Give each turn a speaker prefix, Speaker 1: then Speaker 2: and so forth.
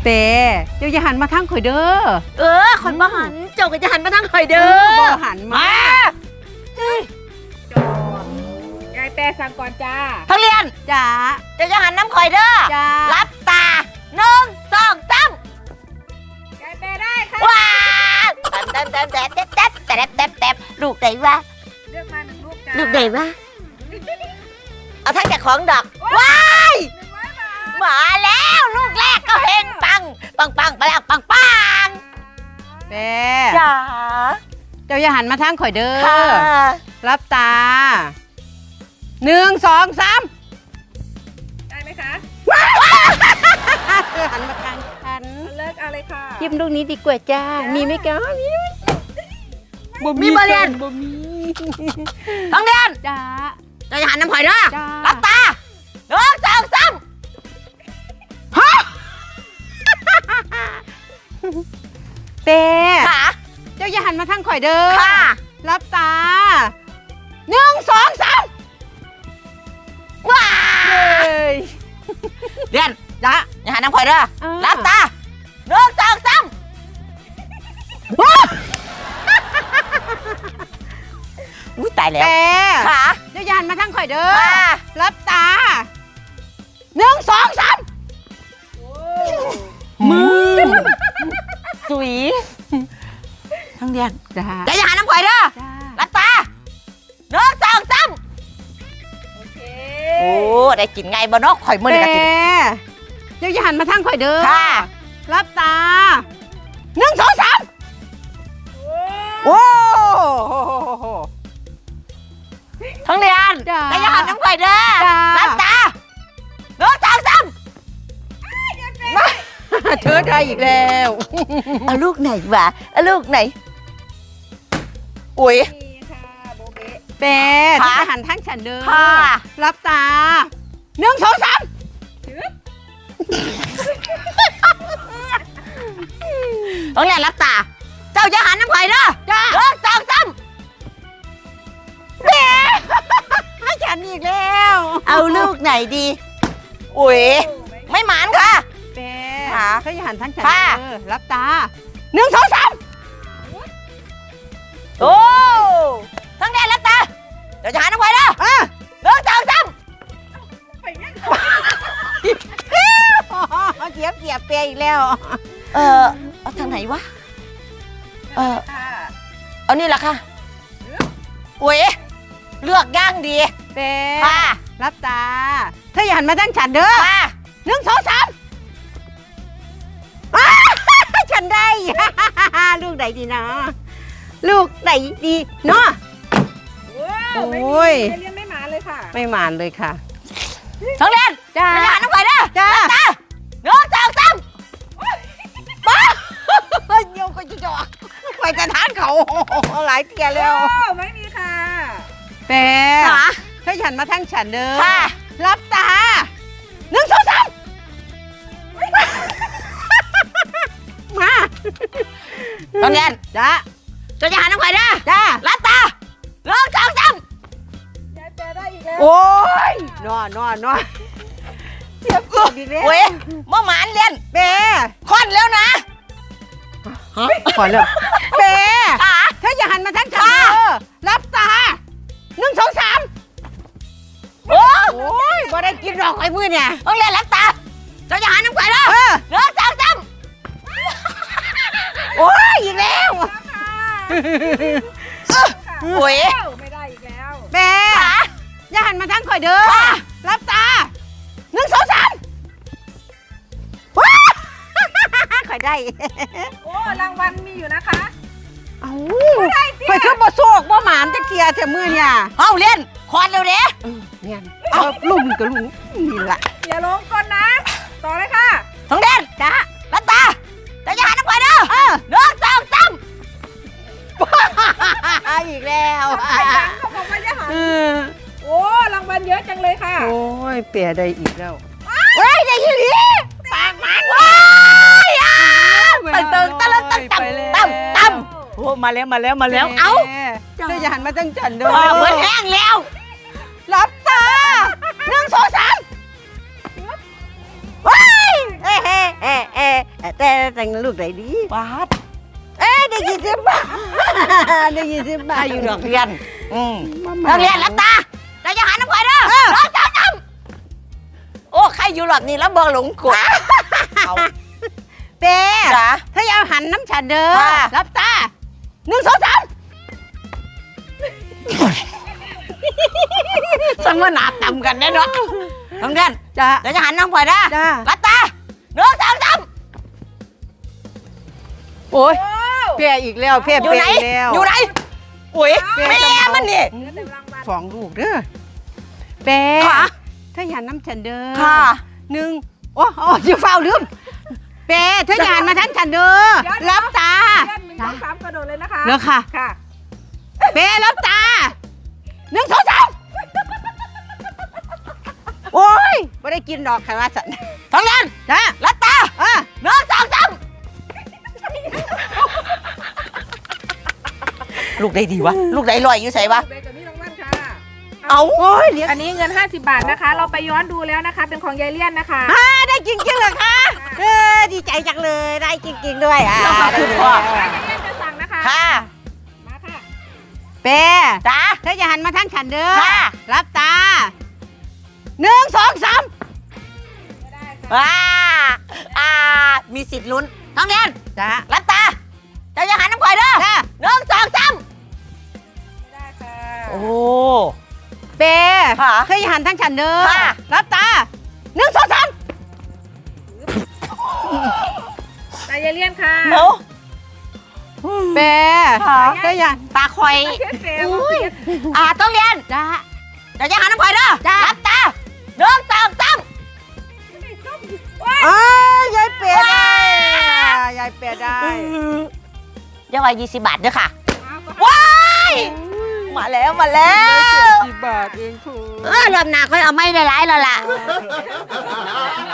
Speaker 1: เปเจ้าอย่าหันมาทางข่อยเด้อ
Speaker 2: ข่อยบ่หันเจ้าก็จะหันมาทางข่อยเด้อ
Speaker 1: บ่หันมา
Speaker 3: จอยายแปรสั่งก่อนจ้า
Speaker 2: ทั้งเรียน
Speaker 1: จ้า
Speaker 2: เจ้าจะหันน้ำข่อยเด้อ
Speaker 1: จ้า
Speaker 2: รับตา1 2 3
Speaker 3: ยายแปรได้ค่ะ
Speaker 2: ว้าแต๊บลูกไหนวะ
Speaker 3: เลือกมา1 ลูกจ้า
Speaker 2: ลูกไหนวะเอาทั้งจากของดอกว้าย
Speaker 3: 100 บาท
Speaker 2: มาแล้วลูกแรกก็เฮงปังไปแล้วปัง
Speaker 1: เป
Speaker 2: จ๋า
Speaker 1: เจ้าอย่าหันมาทางข่อยเด้อ
Speaker 2: ค่ะ
Speaker 1: รับตา1 2 3
Speaker 3: ได้ไหมคะ
Speaker 1: เธอหันมาทางฉัน
Speaker 3: เลิกเอาเลยค่ะ
Speaker 1: จิ้มลูกนี้ดีกว่าจ้ามีไหมคะ
Speaker 2: มีบริเวณ
Speaker 1: บ่มี
Speaker 2: ทั้งเรียน
Speaker 1: จ้า
Speaker 2: เจ้าจะหันน้ำข่อยเด้อ
Speaker 1: จ้า
Speaker 2: รับตา1 2 3
Speaker 1: เป
Speaker 2: ค่ะ
Speaker 1: เจ้าอย่าหันมาทางข่อยเด้อ
Speaker 2: ค่ะ
Speaker 1: รับตา1 2 3
Speaker 2: ว้า
Speaker 1: เอ้ย
Speaker 2: เรียน
Speaker 1: จ้า
Speaker 2: อย่าหันน้ำข่อยเด้อรับตา1 2 3อุ้ยตายแล้ว
Speaker 1: เป
Speaker 2: ค่ะ
Speaker 1: เจ้าอย่าหันมาทางข่อยเด้อ
Speaker 2: ค่ะ
Speaker 1: รับตา1 2 3มือ
Speaker 2: สุยทั้งเรียน
Speaker 1: จ้า
Speaker 2: เจ้าจะหันน้ำข่อยเด้อ
Speaker 1: จ้า
Speaker 2: รับตา1 2 3
Speaker 3: โอเค
Speaker 2: โอ้ได้กินไงบ่เนาะข่อยมื้อ
Speaker 1: เป
Speaker 2: นี้ก็กิน
Speaker 1: เจ้าอย่าหันมาทางข่อยเด้อ
Speaker 2: ค่ะ
Speaker 1: รับตา1 2 3โอ้โห
Speaker 2: ทั้งเรียน
Speaker 1: จ้า
Speaker 2: เจ้าจะหันน้ำข่อยเด้อ
Speaker 1: จ้า
Speaker 2: รับตา1 2 3
Speaker 1: เธอได้อีกแล้ว
Speaker 2: เอาลูกไหนวะเอาลูกไหนอุ้ย
Speaker 3: นี่ค่ะโบเบะ
Speaker 1: เป้
Speaker 2: ค่ะ
Speaker 1: จะหันทางฉันเด้อ
Speaker 2: ค่ะ
Speaker 1: รับตา1 2 3
Speaker 2: ต้องเรียนรับตา เจ้าจะหันน้ำข่อยเด้อ
Speaker 1: จ้า
Speaker 2: 1 2 3
Speaker 1: เป้ให้ฉันอีกแล้ว
Speaker 2: เอาลูกไหนดีอุ้ยไม่หมานค่ะ
Speaker 1: เป้
Speaker 2: ค่ะ
Speaker 1: เธออย่าหันทางฉัน
Speaker 2: ค่ะ
Speaker 1: เด้อรับตา1 2 3
Speaker 2: โอ้ทั้งเรียนรับตา เดี๋ยวจะหันน้ำข่อยเด้อ 1 2 3
Speaker 3: ไปงั้น
Speaker 1: เสียบเป้อีกแล้ว
Speaker 2: เอาทางไหนวะ
Speaker 3: ค่ะ
Speaker 2: เอานี่แหละค่ะอุ้ยเลือกย่างดี
Speaker 1: เป้
Speaker 2: ค่ะ
Speaker 1: รับตาเธออย่าหันมาทางฉันเด้อ
Speaker 2: ค่ะ
Speaker 1: 1 2 3ฉันได้ ลูกไหนดีนะลูกไหนดีเนาะ
Speaker 3: ว้าว
Speaker 1: โอ้ย
Speaker 3: ไม่เรียนไม่มาเลยค่ะ
Speaker 1: ไม่หมานเลยค่ะ
Speaker 2: ทั้งเรียน
Speaker 1: จ้า
Speaker 2: เดี๋ยวจะหันน้ำข่อยเด้อ
Speaker 1: จ้า
Speaker 2: รับตา1 2 3
Speaker 1: โยกก็จะจอกไปจะทานเขาหลายเตียแล้ว
Speaker 3: โอ้ไม่มีค่ะ
Speaker 1: เป้
Speaker 2: ค่ะ
Speaker 1: ถ้าฉันมาทั้งฉันเด้อ
Speaker 2: ค่ะ
Speaker 1: รับตา1 2 3มา
Speaker 2: ทั้งเรียน
Speaker 1: จ้า
Speaker 2: เดี๋ยวจะหันน้ำข่อยเด้อ
Speaker 1: จ้า
Speaker 2: รับตา1 2 3
Speaker 3: ยายแปรได้อีกแล้ว
Speaker 1: โอ้ยนอนเสียบอีกแล้ว
Speaker 2: เว้ยบ่หมานเรียน
Speaker 1: เป้
Speaker 2: ค่อนแล้วนะ
Speaker 1: ขอเลิกเป้
Speaker 2: ค่ะ
Speaker 1: ถ้าอย่าหันมาทั้งฉันเด้อรับตา1 2 3
Speaker 2: โอ้
Speaker 1: โอ้ยบ่ได้กินหรอกไอ้มือเนี่ย
Speaker 2: ต้องเรียนรับตาเดี๋ยวจะหันน้ำข่อยเด้อ 1 2 3
Speaker 1: โอ้ยอีกแล้ว
Speaker 2: โอ้ย
Speaker 3: ไม่ได้อีกแล้ว
Speaker 1: เป้
Speaker 2: ค่ะ
Speaker 1: อย่าหันมาทางข่อยเด้อ
Speaker 2: ค่ะ
Speaker 1: รับตา1 2 3ว้าข่อยได้
Speaker 3: โอ้รางวัลมีอยู่นะคะ
Speaker 1: เอ้าข่อยคือบ่โชคบ่หมานจักเทียแต่มื้อเนี่ย
Speaker 2: เอาเรียนคอนเร็วเด้
Speaker 1: เนี่ยเอาลุงกับลุงนี่ล่ะ
Speaker 3: อย่าลงก่อนนะ ต่อเลยค่ะ
Speaker 2: ต้องเรียน
Speaker 1: จ้า
Speaker 2: รับตาเดี๋ยวจะหันน้ำข่อยเด้อ1 2 3
Speaker 1: อีกแล้ว
Speaker 3: ไปยังเขาบอกว่าจะหัน โอ้รางวัลเยอะจังเลยค่ะ
Speaker 1: โอ้ยเปียได้อีกแล้วเฮ้ยได้อีหลีปากมัน
Speaker 2: ว้ายไปเติงตะลึงตั้งตั้มโอ้มาแล้วเอ้า
Speaker 1: เธออย่าหันมาตั้งจันเด้อ
Speaker 2: เหมือนแห้งแล้ว
Speaker 1: รับตา1 2 3ว้ายเอ๊ะแต่งลูกไหนดี
Speaker 2: บาท
Speaker 1: ได้20 บาทได้20 บาท
Speaker 2: ถ้าอยู่ดอกเรียนนักเรียนรับตาเราจะหาน้ำข่อยเด้อน้องจ้าโอ้ใครอยู่หลอดนี่แล้วเบอร์หลงกดเอา
Speaker 1: เป้
Speaker 2: จ้า
Speaker 1: ถ้าอยากหันน้ำฉันเด้อ
Speaker 2: ค่ะ
Speaker 1: รับตา1 2 3
Speaker 2: สมนาต่ำกันแน่นอนน้องเรียน
Speaker 1: จ้า
Speaker 2: เราจะหันน้ำข่อยเด้อ
Speaker 1: จ้า
Speaker 2: รับตาน้องจ้า
Speaker 1: โอ้ยเป้อีกแล้วเป้
Speaker 2: อยู่ไหน
Speaker 1: อีกแล้ว
Speaker 2: อยู่ไหนอุ้ยแม่มันนี่
Speaker 1: 2 ลูกเด้อเป้
Speaker 2: ค่ะ
Speaker 1: ถ้าอยากน้ำฉันเด้อ
Speaker 2: ค่ะ
Speaker 1: 1โอ้อย่าเฝ้าลืมเป้ถ้าอยากมาทันฉันเด้อรับตา
Speaker 3: 1 2 3กระโดดเลยนะคะ
Speaker 1: เด้อค่ะ
Speaker 3: ค่ะ
Speaker 1: เป้รับตา1 2 3โอ้ยไม่ได้กินดอกค่ะว่าสัน
Speaker 2: ท้องเรียน
Speaker 1: จ้า
Speaker 2: รับตาน้องจ้าลูกได้ดีวะลูกได้ลอยอยู่ใส่วะ
Speaker 3: เบกับนี่รางวัลค่ะ
Speaker 2: เอา
Speaker 1: โอ้ยเลี้ยง
Speaker 3: อันนี้เงิน50 บาทนะคะ เราไปย้อนดูแล้วนะคะ เป็นของยายเลี่ยนนะคะ
Speaker 1: ได้จริงๆเหรอคะดีใจจังเลยได้จริงๆด้วย
Speaker 3: ย
Speaker 2: ขอบคุณพ่อ
Speaker 3: ายเลี่ยนจะสั่งนะคะ
Speaker 2: ค่ะ
Speaker 3: มาค่ะ
Speaker 1: เป้
Speaker 2: จ้า
Speaker 1: ถ้าอย่าหันมาทางฉันเด้อ
Speaker 2: ค่ะ
Speaker 1: รับตา1 2 3
Speaker 3: ไม่ได้ค่ะ
Speaker 2: มีสิทธิ์ลุ้นท้องเรียน
Speaker 1: จ้า
Speaker 2: รับตาจะยังหันน้ำข่อยเด้อ
Speaker 1: จ้า
Speaker 2: 1 2 3
Speaker 3: ไม่ได้ค่ะ
Speaker 2: โอ้
Speaker 1: เป้
Speaker 2: ค่ะ
Speaker 1: ถ้าอย่าหันทางฉันเด้อ
Speaker 2: ค่ะ
Speaker 1: รับตา1 2 3
Speaker 3: ตายายเลี่ยนค่ะ
Speaker 2: เนาะ
Speaker 1: เป้
Speaker 2: ค่ะ
Speaker 1: ถ้าอย่า
Speaker 2: ตาคอย
Speaker 3: เพี้ยนเฟม
Speaker 2: ต้องเรียน
Speaker 1: จ้า
Speaker 2: จะยังหันน้ำข่อยเด้อ
Speaker 1: จ้า
Speaker 2: รับตา1 2 3
Speaker 1: ยายเป้ได้ยายเป้ได้
Speaker 2: เดี๋ยวไว้20 บาทเด้อค่ะว้ายมาแล้วมาแล้ว
Speaker 1: 10 บาทเองคุณ
Speaker 2: รอบหน้าค่อยเอาไม่ได้ร้ายแล้วล่ะ